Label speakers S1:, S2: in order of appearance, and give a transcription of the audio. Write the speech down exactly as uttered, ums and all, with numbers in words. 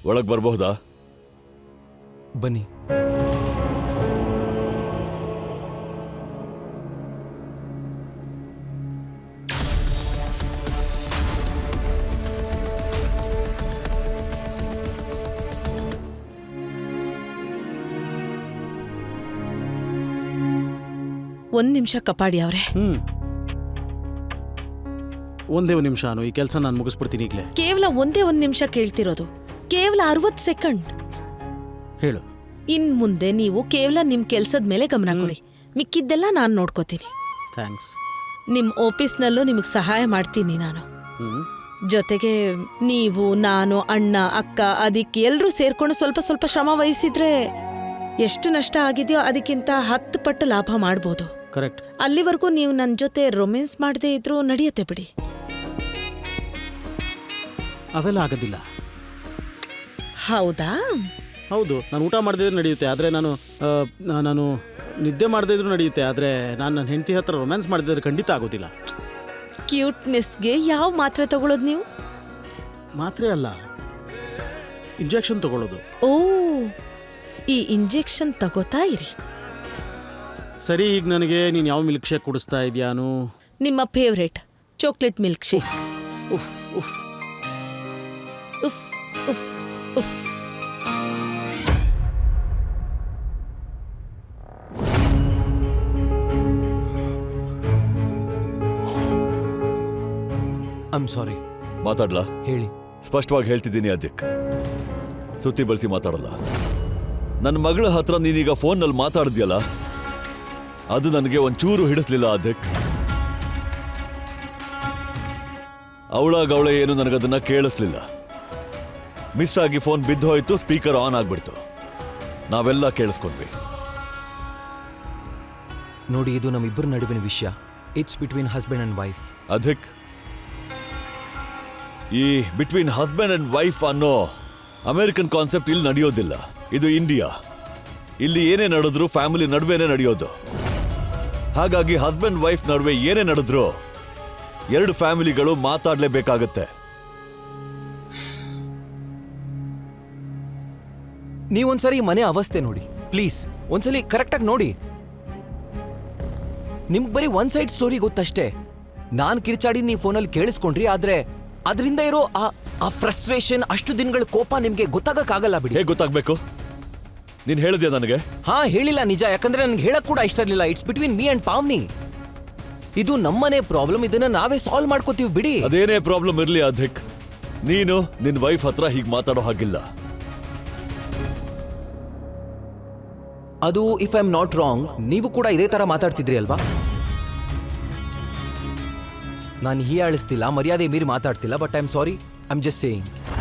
S1: ಒಳಗೆ ಬರಬಹುದಾ?
S2: ಬನ್ನಿ.
S3: ಒಂದ್ ನಿಮಿಷ ಕಪಾಡಿ ಅವ್ರೆ.
S4: ಹ್ಮ್ ಒಂದೇ ಒಂದು ನಿಮಿಷ ಅನು, ಈ ಕೆಲಸ ನಾನು ಮುಗಿಸ್ಬಿಡ್ತೀನಿ ಈಗಲೇ.
S3: ಕೇವಲ ಒಂದೇ ಒಂದ್ ನಿಮಿಷ ಕೇಳ್ತಿರೋದು, ಕೇವಲ ಅರವತ್ತು ಸೆಕೆಂಡ್.
S4: ಹೇಳು.
S3: ಇನ್ ಮುಂದೆ ನೀವು ಕೇವಲ ನಿಮ್ ಕೆಲ್ಸದ ಮೇಲೆ ಗಮನ ಕೊಡಿ, ಮಿಕ್ಕಿದ್ದೆಲ್ಲ ನಾನು ನೋಡ್ಕೋತೀನಿ.
S4: ಥ್ಯಾಂಕ್ಸ್.
S3: ನಿಮ್ ಆಫೀಸ್ನಲ್ಲೂ ನಿಮಗ್ ಸಹಾಯ ಮಾಡ್ತೀನಿ ನಾನು.
S4: ಹ್ಮ್
S3: ಜೊತೆಗೆ ನೀವು, ನಾನು, ಅಣ್ಣ, ಅಕ್ಕ, ಅದಕ್ಕೆ ಎಲ್ರೂ ಸೇರ್ಕೊಂಡು ಸ್ವಲ್ಪ ಸ್ವಲ್ಪ ಶ್ರಮ ವಹಿಸಿದ್ರೆ ಎಷ್ಟು ನಷ್ಟ ಆಗಿದೆಯೋ ಅದಕ್ಕಿಂತ ಹತ್ತು ಪಟ್ಟು ಲಾಭ ಮಾಡ್ಬೋದು.
S4: ಕರೆಕ್ಟ್.
S3: ಅಲ್ಲಿವರೆಗೂ ನೀವು ನನ್ನ ಜೊತೆ ರೊಮ್ಯಾನ್ಸ್ ಮಾಡದೇ ಇದ್ರೂ ನಡೆಯುತ್ತೆ ಬಿಡಿ.
S4: ಅವೆಲ್ಲ ಆಗೋದಿಲ್ಲ.
S3: ಹೌದಾ?
S4: ಹೌದು, ನಾನು ಊಟ ಮಾಡದೇ ಇದ್ರೂ ನಡೆಯುತ್ತೆ, ಆದರೆ ನಾನು ಆ, ನಾನು ನಿದ್ದೆ ಮಾಡದೇ ಇದ್ರೂ ನಡೆಯುತ್ತೆ, ಆದರೆ ನಾನು ನನ್ನ ಹೆಂಡತಿ ಹತ್ರ ರೊಮ್ಯಾನ್ಸ್ ಮಾಡಿದ್ರೆ ಖಂಡಿತ ಆಗೋದಿಲ್ಲ.
S3: ಕ್ಯೂಟ್ನೆಸ್ಗೆ ಯಾವ ಮಾತ್ರೆ ತಗೊಳ್ಳೋದು ನೀವು?
S4: ಮಾತ್ರೆ ಅಲ್ಲ, ಇಂಜೆಕ್ಷನ್ ತಗೊಳ್ಳೋದು.
S3: ಓ, ಈ ಇಂಜೆಕ್ಷನ್ ತಗೋತಾ ಇರಿ.
S4: ಸರಿ, ಈಗ ನನಗೆ ನೀನು ಯಾವ ಮಿಲ್ಕ್ ಶೇಕ್ ಕುಡಿಸ್ತಾ ಇದೆಯಾನು?
S3: ನಿಮ್ಮ ಫೇವ್ರೇಟ್ ಚಾಕ್ಲೇಟ್ ಮಿಲ್ಕ್ ಶೇಕ್.
S4: ಉಫ್ ಉಫ್
S3: ಉಫ್ ಉಫ್ ಉಫ್.
S2: I'm sorry.
S1: ಮಾತಾಡ್ಲಾ?
S2: ಹೇಳಿ.
S1: ಸ್ಪಷ್ಟವಾಗಿ ಹೇಳ್ತಿದ್ದೀನಿ ಅದಿಕ್, ಸುತ್ತಿ ಬಳಸಿ ಮಾತಾಡಲ್ಲ. ನನ್ನ ಮಗಳ ಹತ್ರ ನೀನೀಗ ಫೋನ್ನಲ್ಲಿ ಮಾತಾಡಿದ್ಯಲ್ಲ, ಅದು ನನಗೆ ಒಂಚೂರು ಹಿಡಿಸ್ಲಿಲ್ಲ ಅದಿಕ್. ಅವಳಾಗವಳೆ ಏನು ನನಗದನ್ನ ಕೇಳಿಸ್ಲಿಲ್ಲ. ಮಿಸ್ ಆಗಿ ಫೋನ್ ಬಿದ್ದು ಹೋಯ್ತು, ಸ್ಪೀಕರ್ ಆನ್ ಆಗ್ಬಿಡ್ತು, ನಾವೆಲ್ಲ ಕೇಳಿಸ್ಕೊಂಡ್ವಿ.
S2: ನೋಡಿ, ಇದು ನಮ್ಮಿಬ್ಬರ ನಡುವಿನ ವಿಷಯ. It's between husband and wife.
S1: Adhik, ಈ ಬಿಟ್ವೀನ್ ಹಸ್ಬೆಂಡ್ ಅಂಡ್ ವೈಫ್ ಅನ್ನೋ ಅಮೆರಿಕನ್ ಕಾನ್ಸೆಪ್ಟ್ ಇಲ್ಲಿ ನಡೆಯೋದಿಲ್ಲ. ಇದು ಇಂಡಿಯಾ. ಇಲ್ಲಿ ಏನೇ ನಡೆದ್ರು ಫ್ಯಾಮಿಲಿ ನಡುವೆನೇ ನಡೆಯೋದು. ಹಾಗಾಗಿ ಹಸ್ಬೆಂಡ್ ವೈಫ್ ನಡುವೆ ಏನೇ ನಡೆದ್ರು ಎರಡು ಫ್ಯಾಮಿಲಿಗಳು ಮಾತಾಡಲೇಬೇಕಾಗತ್ತೆ.
S2: ನೀವೊಂದ್ಸರಿ ಮನೆ ಅವಸ್ಥೆ ನೋಡಿ ಪ್ಲೀಸ್. ಒಂದ್ಸಲಿ ಕರೆಕ್ಟಾಗಿ ನೋಡಿ. ನಿಮ್ಗೆ ಬರೀ ಒನ್ ಸೈಡ್ ಸ್ಟೋರಿ ಗೊತ್ತಷ್ಟೇ. ನಾನು ಕಿರ್ಚಾಡಿ ನೀವು ಫೋನಲ್ಲಿ ಕೇಳಿಸ್ಕೊಂಡ್ರಿ, ಆದ್ರೆ ಅದರಿಂದ ಇರೋ ಆ ಫ್ರಸ್ಟ್ರೇಷನ್, ಅಷ್ಟು ದಿನಗಳ ಕೋಪ ನಿಮ್ಗೆ ಗೊತ್ತಾಗಕ್ಕಾಗಲ್ಲ ಬಿಡಿ.
S1: ಹೇಗೆ ಗೊತ್ತಾಗ್ಬೇಕು? ನೀನ್ ಹೇಳಿದ್ಯಾ ನನಗೆ?
S2: ಹಾ, ಹೇಳಿಲ್ಲ ನಿಜ. ಯಾಕಂದ್ರೆ ನನ್ಗೆ ಹೇಳಕ್ ಕೂಡ ಇಷ್ಟ ಇರಲಿಲ್ಲ. It's between me and Pavni. ಇದು ನಮ್ಮನೆ ಪ್ರಾಬ್ಲಮ್, ಇದನ್ನ ನಾವೇ ಸಾಲ್ವ್ ಮಾಡ್ಕೋತೀವಿ ಬಿಡಿ.
S1: ಅದೇನೇ ಪ್ರಾಬ್ಲಮ್ ಇರ್ಲಿ ಅಧಿಕ್, ನೀನು ನಿನ್ ವೈಫ್ ಹತ್ರ ಹೀಗೆ ಮಾತಾಡೋ ಹಾಗಿಲ್ಲ.
S2: ಅದು if I am not wrong, ನೀವು ಕೂಡ ಇದೇ ತರ ಮಾತಾಡ್ತಿದ್ರಿ ಅಲ್ವಾ? ನಾನು ಹೀಯಾಳಿಸ್ತಿಲ್ಲ, ಮರ್ಯಾದೆ ಮೀರಿ ಮಾತಾಡ್ತಿಲ್ಲ, but I am sorry, I am just saying.